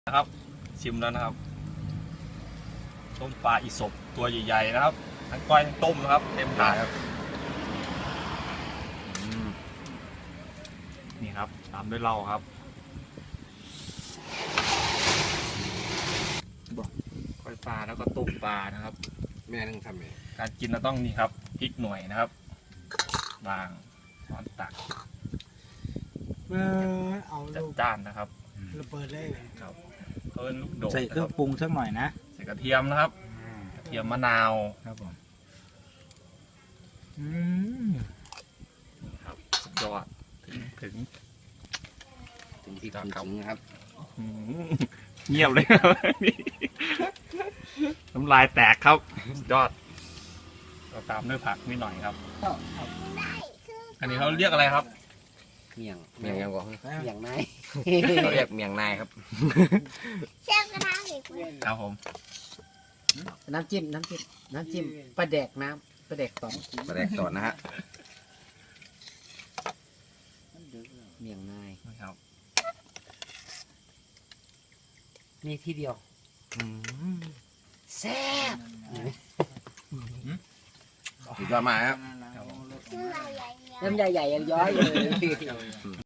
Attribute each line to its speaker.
Speaker 1: นะครับชิมแล้วนะครับต้มปลาอีสบตัวใหญ่ๆนะครับทั้งก้อยทั้งต้มนะครับเต็มถาดครับนี่ครับตามด้วยเหล้าครับก้อยปลาแล้วก็ต้มปลานะครับ
Speaker 2: แม่นึงทำไง
Speaker 1: การกินเราต้องนี่ครับพริกหน่วยนะครับวางช้อนตัก
Speaker 3: เอา
Speaker 1: จัดจ้านนะครับ
Speaker 3: ระเบิดได้
Speaker 1: ครับเพิ่มลูกโดด
Speaker 4: ใส่เครื่องปรุงสักหน่อยนะ
Speaker 1: ใส่กระเทียมนะครับกระเทียมมะนาว
Speaker 4: ครับผม
Speaker 1: ครับสุดยอดถึง
Speaker 2: ที่ทำนะครับ
Speaker 1: เงียบเลยครับน้ำลายแตกครับสุดยอดเราตามด้วยผักนิดหน่อยครับอันนี้เขาเรียกอะไรครับ
Speaker 2: เมียงยังบอกเมียงนาย
Speaker 4: เราเรียกเมียงนายครับ
Speaker 5: เชฟกระทะเหล็ก
Speaker 1: ครับผม
Speaker 3: น้ำจิ้มปลาแดกน้ำปลาแดกต่อ
Speaker 4: นะฮะ
Speaker 3: เมียงนาย
Speaker 1: ครับ
Speaker 3: มีที่เดียวแซ่บ
Speaker 4: สุดยอดมากครับ
Speaker 5: น้ำใหญ่ๆยังย้อยเลย